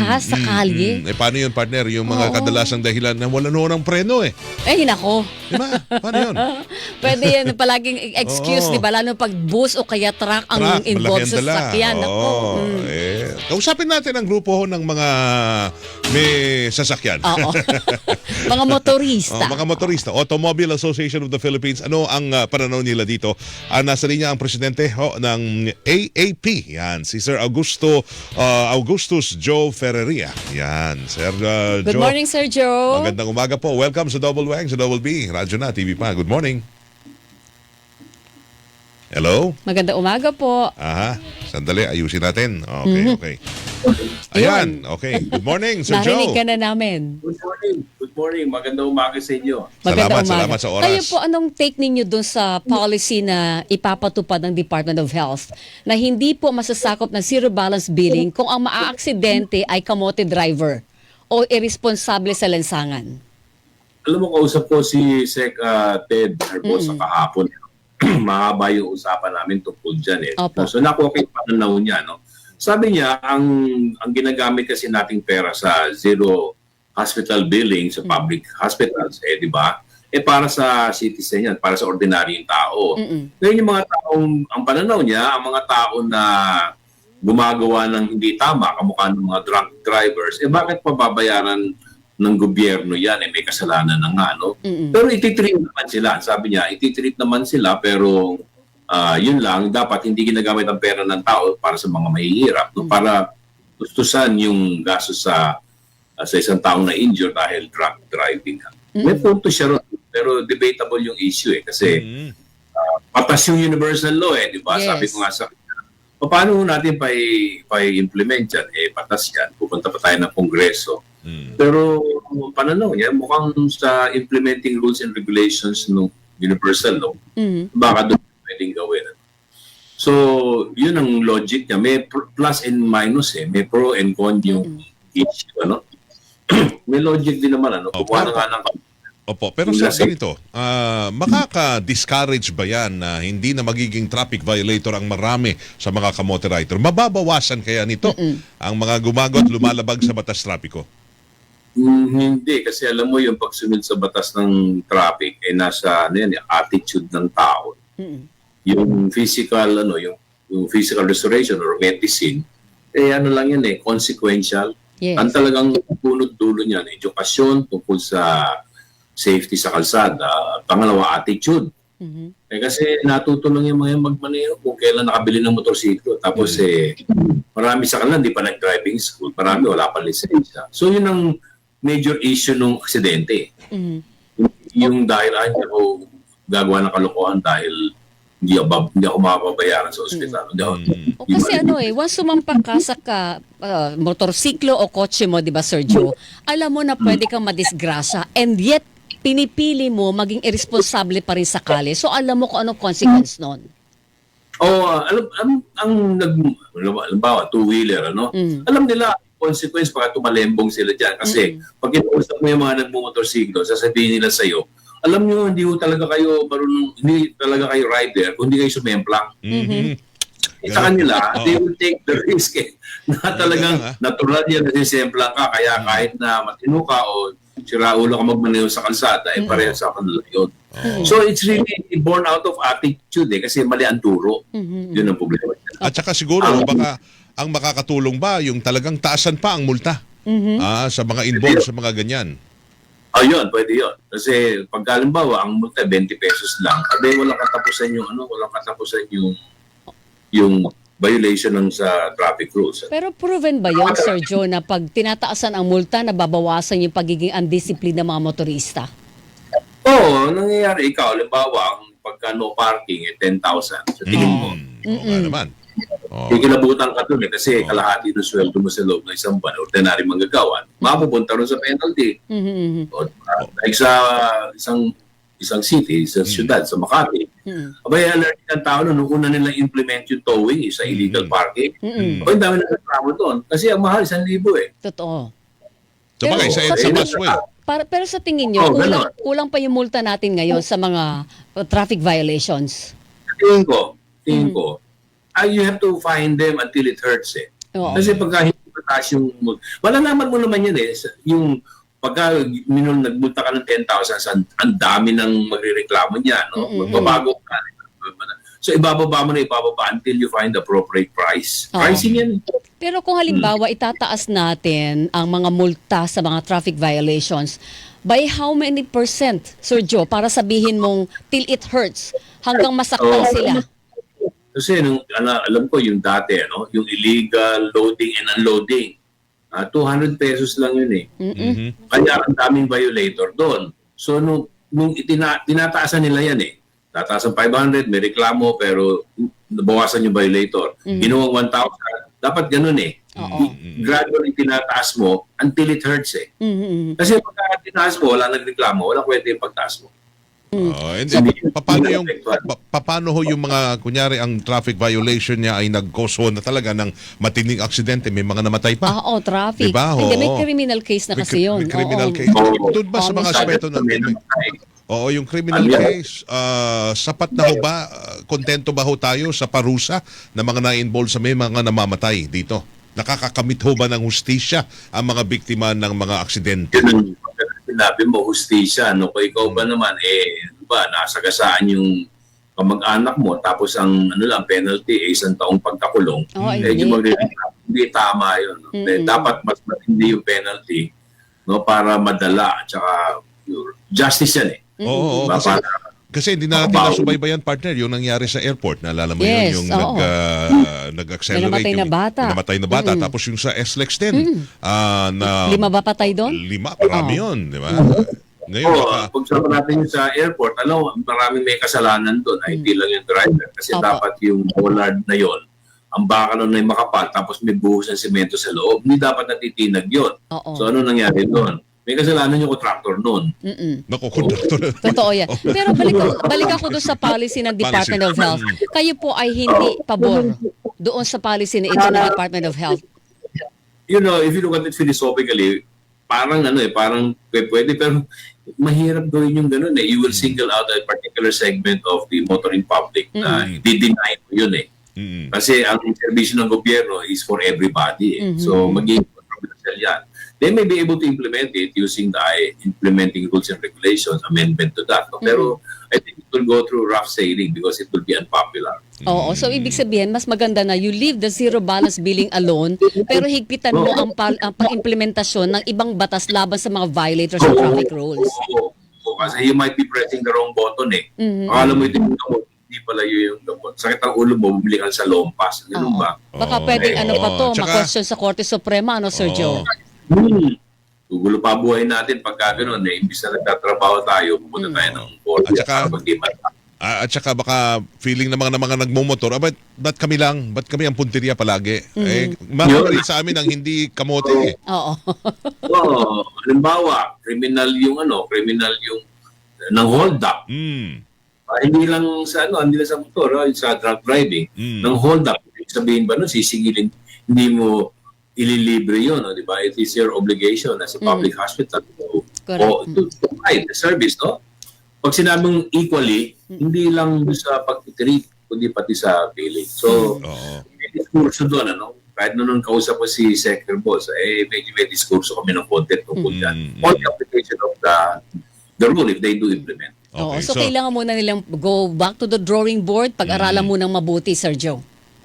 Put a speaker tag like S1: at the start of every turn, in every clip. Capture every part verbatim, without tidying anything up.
S1: ha, sa kalye.
S2: Mm. Eh, paano yun, partner? Yung mga
S1: Oo.
S2: kadalasang dahilan na wala noon ng preno eh.
S1: Eh, nako.
S2: Diba? Paano yun?
S1: Pwede yan palaging excuse,
S2: Oo.
S1: di ba? Lalo pag bus o kaya truck ang
S2: Truck,
S1: involved
S2: malaki
S1: sa
S2: ang dala.
S1: sasakyan. Nako.
S2: Oo.
S1: Mm.
S2: Eh, kausapin natin ang grupo ho ng mga may sasakyan.
S1: Oo. Mga motorista.
S2: Oh, mga motorista, Automobile Association of the Philippines. Ano ang uh, pananaw nila dito? Uh, nasa linya ang presidente ho, ng A A P. Yan, si Sir Augusto uh, Augustus Joe Ferreria. Yan, Sir uh,
S1: Good
S2: Joe.
S1: morning, Sir Joe.
S2: Magandang umaga po. Welcome sa Double Wang, sa Double B. Radyo na, T V pa. Good morning. Hello?
S1: Magandang umaga po.
S2: Aha. Sandali, ayusin natin. Okay,
S1: Mhm.
S2: okay. Ayan, okay. Good morning, Sir
S1: Narinig
S2: Joe.
S1: ka na namin.
S3: Good morning. Good morning. Magandang umaga sa inyo.
S1: Magandang
S2: Salamat,
S1: umaga.
S2: salamat sa oras.
S1: Kayo po, anong take ninyo dun sa policy na ipapatupad ng Department of Health na hindi po masasakop ng zero balance billing kung ang maaaksidente ay kamote driver o irresponsable sa lansangan?
S3: Alam mo, kausap ko si Sec uh, Ted Herbosa kahapon. Mahaba yung usapan namin tungkol dyan eh.
S1: Opo.
S3: So nakuha ko yung pananaw niya. No? Sabi niya, ang ang ginagamit kasi nating pera sa zero hospital billing sa public hospitals, eh di ba? Eh para sa citizen yan, para sa ordinaryong tao.
S1: Mm-mm.
S3: Ngayon yung mga taong, ang pananaw niya, ang mga tao na gumagawa ng hindi tama, kamukha ng mga drunk drivers, eh bakit pababayaran ng gobyerno yan? Eh may kasalanan na nga, no?
S1: Mm-mm.
S3: Pero ititreat naman sila. Sabi niya, ititreat naman sila, pero ah, yun lang, dapat hindi ginagamit ang pera ng tao para sa mga mahihirap, no? Para gustusan yung gastos sa uh, sa isang taong na injure dahil drunk driving. May punto siya ron, pero debatable yung issue eh, kasi
S2: Mm.
S3: patas yung universal law eh, di ba?
S1: Yes.
S3: Sabi ko nga sa paano natin pa i-implement yan? Eh, patas yan. Pupunta pa tayo ng Kongreso.
S2: Mm.
S3: Pero pananaw niya, mukhang sa implementing rules and regulations ng universal law,
S1: Mhm.
S3: baka doon pwedeng gawin. So, yun ang logic niya. May pr- plus and minus eh. May pro and con yung issue, ano? May logic din naman, ano?
S2: Opo.
S3: Kumuha na nga ng...
S2: Opo, pero
S3: Yung
S2: sir,
S3: nasa-
S2: ganito, ah, makaka-discourage ba yan na hindi na magiging traffic violator ang marami sa mga kamote rider? Mababawasan kaya nito ang mga gumago at lumalabag sa batas trapiko?
S3: Mm, hindi, kasi alam mo yung pagsunod sa batas ng traffic, eh nasa ano yan, yung attitude ng tao.
S1: Mm-mm.
S3: Yung physical, ano, yung, yung physical restoration or medicine, eh ano lang yan eh, consequential.
S1: Yes.
S3: Ang talagang punot dulo niyan, edukasyon tungkol sa safety sa kalsada. Pangalawa, attitude.
S1: Mhm.
S3: Eh kasi natuto lang yung mga magmaneho kung kailan nakabili ng motorsiklo. Tapos eh, marami sa kanila hindi pa nag-driving school. Marami wala pa lisensya. So yun ang major issue ng aksidente.
S1: Mhm.
S3: Yung dahil ay ako gagawa ng kalokohan dahil hindi ako, hindi ako makapabayaran sa ospital. Hindi ako-
S1: O kasi ano eh, once sumampak ka sa ka, ah, motorsiklo o kotse mo, di ba Sir Joe, alam mo na pwede kang madisgrasya and yet pinipili mo maging irresponsible pa rin sa kali. So alam mo kung anong consequence nun.
S3: Oh, ah, alam, ang, ang nag, halimbawa, two-wheeler, ano?
S1: Mm.
S3: Alam nila, consequence baka tumalembong sila dyan. Kasi pag kinausap mo yung mga nagmumotorsiklo, sasabihin nila sa'yo, alam nyo, hindi ko talaga kayo marunong, hindi talaga kayo rider kung hindi kayo sumemplang.
S2: Mhm.
S3: Eh, sa kanila,
S2: Oo.
S3: they will take the risk eh, na talagang
S2: Ganun, ah.
S3: natural yan na sisemplang ka. Kaya kahit na matino ka o siraulo ka magmaneho sa kalsada, eh pareho sa kanila yun. So it's really born out of attitude eh, kasi mali ang turo. Yun ang problema.
S2: At saka siguro, baka ang makakatulong ba yung talagang taasan pa ang multa ah, sa mga involved sa mga ganyan?
S3: Oh, yun, pwede yun. Kasi pag halimbawa, ang multa twenty pesos lang, abe walang katapusan yung ano, walang katapusan yung yung violation ng sa traffic rules.
S1: Pero proven ba yon Sir Joe, na pag tinataasan ang multa, nababawasan yung pagiging undisciplined ng mga motorista?
S3: Oo, oh, nangyayari ikaw, halimbawa, ang pagka no parking eh ten thousand. So tingin mo,
S2: Mm. Oo nga naman. Oo.
S3: kikilabutan ka dun eh, kasi kalahati ng sweldo mo sa loob ng isang buwan, ordinary manggagawa, mapupunta rin sa penalty.
S1: Mhm.
S3: O, uh, like sa isang isang city, sa syudad, sa Makati,
S1: Mhm.
S3: abay, alert ang tao nun, nung una nilang implement yung towing eh, sa illegal parking.
S1: Mhm.
S3: Abay, ang dami na nagtrabaho doon. Kasi ang mahal, isang libo eh.
S1: Totoo.
S2: So, bagay, sa,
S1: Pero-
S2: sa
S3: Eh,
S2: busway.
S1: Para, pero sa tingin nyo,
S3: Oh,
S1: kulang,
S3: ganun.
S1: kulang pa yung multa natin ngayon sa mga uh, traffic violations.
S3: Tingin ko, tingin ko, ah, you have to find them until it hurts eh.
S1: Oo.
S3: Kasi pagka hindi mo mataas yung... Malalaman mo naman yan eh. Yung pagka minul, nagmulta ka ng ten thousand, ang, ang dami ng magrereklamo niya. No?
S1: Mm-mm.
S3: Magbabago ka. So ibababa mo na ibababa until you find the appropriate price.
S1: Oo.
S3: Pricing yan.
S1: Pero kung halimbawa itataas natin ang mga multa sa mga traffic violations, by how many percent, Sir Joe, para sabihin mong till it hurts, hanggang masaktan
S3: Oo.
S1: sila?
S3: Kasi nung, ala- alam ko yung dati, ano, yung illegal loading and unloading, ah, two hundred pesos lang yun eh.
S1: Mm-mm.
S2: Mhm.
S3: Kaya ang daming violator doon. So nung, nung itina, tinataasan nila yan eh. Tataas ang five hundred, may reklamo, pero nabawasan yung violator.
S1: Mhm.
S3: Ginuwang one thousand, dapat ganun eh.
S1: Oo.
S3: Gradually tinataas mo until it hurts eh.
S1: Mhm.
S3: Kasi pagka tinaas mo, wala nagreklamo, wala kwenta yung pagtaas mo.
S2: Oo, and
S3: So,
S2: then,
S3: hindi-
S2: paano
S3: hindi
S2: yung
S3: apektuhan.
S2: pa- pa- paano ho yung mga kunyari ang traffic violation niya ay nag-cause ho na talaga ng matinding aksidente, may mga namatay pa.
S1: Ah, oh, traffic.
S2: Diba?
S1: Hindi, may
S2: Oo.
S1: criminal case na
S2: May
S1: kasi
S2: cri-
S1: yun.
S2: may criminal
S1: Oo.
S2: case.
S3: Oo.
S2: Doon ba sa
S1: Oo,
S2: mga
S1: masyado
S2: aspeto na
S3: May
S2: may-
S3: namatay.
S2: Oo, yung criminal
S3: Ano yan?
S2: case, ah, sapat na ho ba, ah, kontento ba ho tayo sa parusa na mga na-involve sa may mga namamatay dito? Nakakakamit ho ba ng hustisya ang mga biktima ng mga aksidente?
S3: Yun ang sinabi mo, hustisya. No? Kung ikaw ba naman, eh, ano ba, nasagasaan yung kamag-anak mo, tapos ang ano lang, penalty, eh, isang taong pagkakulong.
S1: Oo,
S3: eh,
S1: hindi.
S3: yung magre- hindi tama yun. No? Eh,
S1: Mm-mm.
S3: dapat mas matindi yung penalty no, para madala. At saka, yun, justice yan eh.
S2: Oo, oo,
S3: Diba?
S2: kasi,
S3: Para,
S2: kasi hindi na natin nasubaybayan, partner, yung nangyari sa airport. Naalala mo
S1: Yes,
S2: yun, yung
S1: oo.
S2: nag, ah, nag-accelerate.
S1: May namatay na
S2: yung-
S1: bata.
S2: may namatay na bata.
S1: Mm.
S2: Tapos yung sa S L E X din, ah, na
S1: Lima ba patay doon?
S2: lima, marami
S1: Oo.
S2: yun, di ba? Ngayon,
S3: Oo,
S2: baka,
S3: pag sama natin yung sa airport, alam mo, maraming may kasalanan doon. Ay, hindi lang yung driver. Kasi
S1: Opo.
S3: dapat yung bollard na yon, ang baka nun ay makapal, tapos may buhos ng semento sa loob. Hindi dapat natitinag yon.
S1: Oo.
S3: So, ano nangyari doon? May kasalanan yung contractor noon.
S1: Mm-mm.
S2: naku, conductor.
S1: Totoo yan. Pero balik, balik ako doon sa policy ng Department of Health. Kayo po ay hindi pabor doon sa policy na ito ng Department of Health.
S3: You know, if you look at it philosophically, parang ano eh, parang pwede, pwede pero mahirap gawin yung ganun eh. You will single out a particular segment of the motoring public na
S2: Mm.
S3: di-deny mo yun eh.
S2: Mm.
S3: Kasi ang servisyo ng gobyerno is for everybody. Eh.
S1: Mhm.
S3: So, magiging controversial yan. They may be able to implement it using the I- implementing rules and regulations, amendment to that. No? Pero I think it will go through rough sailing because it will be unpopular.
S1: Oo, so ibig sabihin, mas maganda na you leave the zero balance billing alone, pero higpitan mo ang, pal- ang pang-implementasyon ng ibang batas laban sa mga violators ng traffic rules.
S3: Oo. Oo, kasi you might be pressing the wrong button eh.
S1: Mhm.
S3: Akala mo ito yung gamot, hindi pala yun yung gamot. Sakit ang ulo mo, bumili ka sa lompas. Ganun
S1: Oo.
S3: ba?
S1: Baka
S2: Oo.
S1: pwedeng ano pa to,
S2: Oo. Tsaka-
S1: ma-question sa Korte Suprema, ano, Sir
S2: Oo.
S1: Joe?
S3: Hmm. Gugulo pa buhay natin pagka gano'n. Eh, imbis na nagtatrabaho tayo, pupunta tayo ng korte
S2: At saka-
S3: para magdiman.
S2: Ah, at saka baka feeling ng mga, ng mga nagmumotor, ah, ba't, ba't kami lang? Ba't kami ang punteriya palagi? Eh, marami rin sa amin ang hindi kamote eh.
S1: Oo.
S3: Oo, halimbawa, criminal yung ano, criminal yung ng hold up.
S2: Mm.
S3: Ah, hindi lang sa ano, hindi lang sa motor, ah, sa drunk driving.
S2: Mm.
S3: Ng hold up, ibig sabihin ba nun, sisingilin, hindi mo ililibre yun, no, di ba? It is your obligation as a public hospital to,
S1: Correct.
S3: o, to provide the service, no? Pag sinabing equally, hindi lang sa pag-treat, kundi pati sa billing. So,
S2: Oo.
S3: may diskurso doon, ano? Kahit nung kausap ko si Secretary Boss, eh, medyo may diskurso kami ng content tungkol dyan.
S2: Mm.
S3: On the application of the, the rule if they do implement.
S1: Oo,
S2: Okay,
S1: so, kailangan muna nilang go back to the drawing board, pag-aralan munang mabuti, Sir Joe.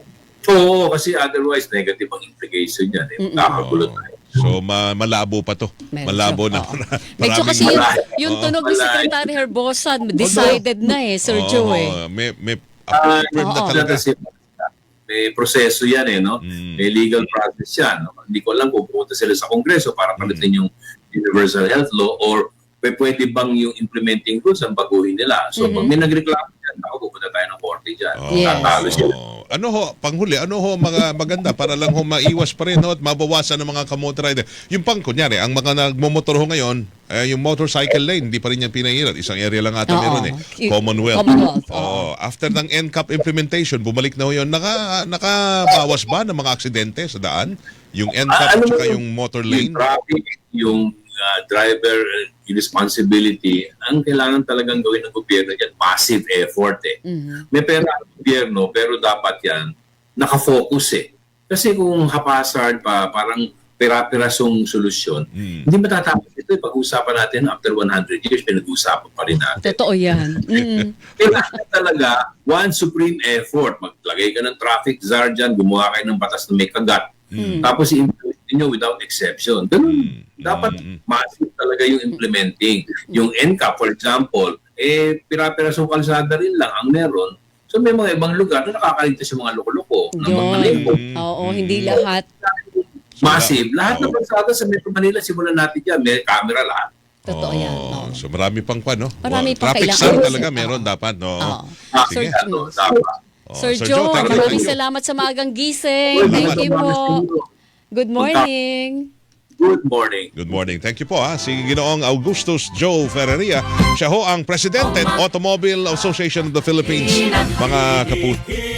S3: Oo, kasi otherwise, negative ang implication yan. Eh. Nakakagulo tayo.
S2: So ma- malabo pa to.
S1: Medyo,
S2: Malabo na.
S1: oo.
S2: Maraming-
S1: Medyo kasi yung,
S3: Malay.
S1: yung
S2: Oo.
S1: tunog ni
S3: Malay.
S1: Secretary Herbosa, decided na eh, Sir
S2: Oo,
S1: Joe eh.
S2: May, may
S3: Ah,
S2: approved na
S1: oo.
S2: talaga.
S3: Kasi may proseso yan eh, no?
S2: Mm.
S3: May legal process yan. No? Hindi ko alam kung pupunta sila sa Kongreso para palitin yung Universal Health Law or pwe- pwede bang yung implementing rules ang baguhin nila. So, pag may nagreklamo dyan, ako pupunta tayo ng korte dyan.
S2: Oo.
S1: Yes.
S3: Tatalo sila.
S2: Oo. Ano ho, panghuli, ano ho mga maganda para lang ho maiwas pa rin ho, at mabawasan ng mga kamotor rider. Yung pang, kunyari, ang mga nagmumotor ho ngayon, eh, yung motorcycle lane, hindi pa rin yan pinahirat. Isang area lang ata
S1: Oo.
S2: meron eh.
S1: Y-
S2: Commonwealth.
S1: Commonwealth,
S2: Oo. After ng N C A P implementation, bumalik na ho yun. Naka, nakabawas ba ng mga aksidente sa daan? Yung N C A P
S3: Ah, ano
S2: at saka
S3: mo
S2: yung motor
S3: Yung
S2: lane?
S3: traffic, yung uh, driver uh, responsibility, ang kailangan talagang gawin ng gobyerno yan, massive effort eh.
S1: Mhm.
S3: May pera ang gobyerno, pero dapat yan nakafocus eh. Kasi kung haphazard pa, parang pera-perasong solusyon,
S2: Mm.
S3: hindi matatapos ito. Eh. Pag-usapan natin, after one hundred years, pinag-usapan pa rin natin.
S1: Totoo yan. Mm.
S3: Kailangan talaga one supreme effort. Maglagay ka ng traffic czar dyan, gumawa kayo ng batas na may kagat.
S2: Mm.
S3: Tapos i-implement nyo without exception. Ganun.
S2: Mm.
S3: Dapat
S2: Mm.
S3: massive talaga yung implementing. Yung N C A P, for example, eh, pira-pirasong kalsada rin lang ang meron. So may mga ibang lugar na nakakaligtas yung mga loko-loko ng mga
S1: Yun.
S3: lebo.
S1: Oo, hindi lahat.
S3: Massive. Lahat ng kalsada sa Metro Manila, simulan natin dyan. May camera lahat.
S1: Totoo yan.
S2: Oh,
S1: Oo.
S2: so marami pang kwan, no?
S1: Marami
S2: Oh,
S1: pang
S2: traffic
S1: kailangan.
S2: sign talaga meron
S1: Oo.
S2: dapat, no?
S1: Oo.
S3: Ah,
S2: Sige.
S1: Sir
S3: ano, dapat.
S2: Oh,
S1: Sir
S2: Sir
S1: Joe,
S2: thank you,
S1: maraming
S2: thank you.
S1: salamat sa maagang gising. Thank you po. Good morning.
S3: Good morning.
S2: Good morning. Thank you po ha. Si Ginoong Augustus Joe Ferreria. Siya ho ang Presidente ng Automobile Association of the Philippines. Mga kapuso.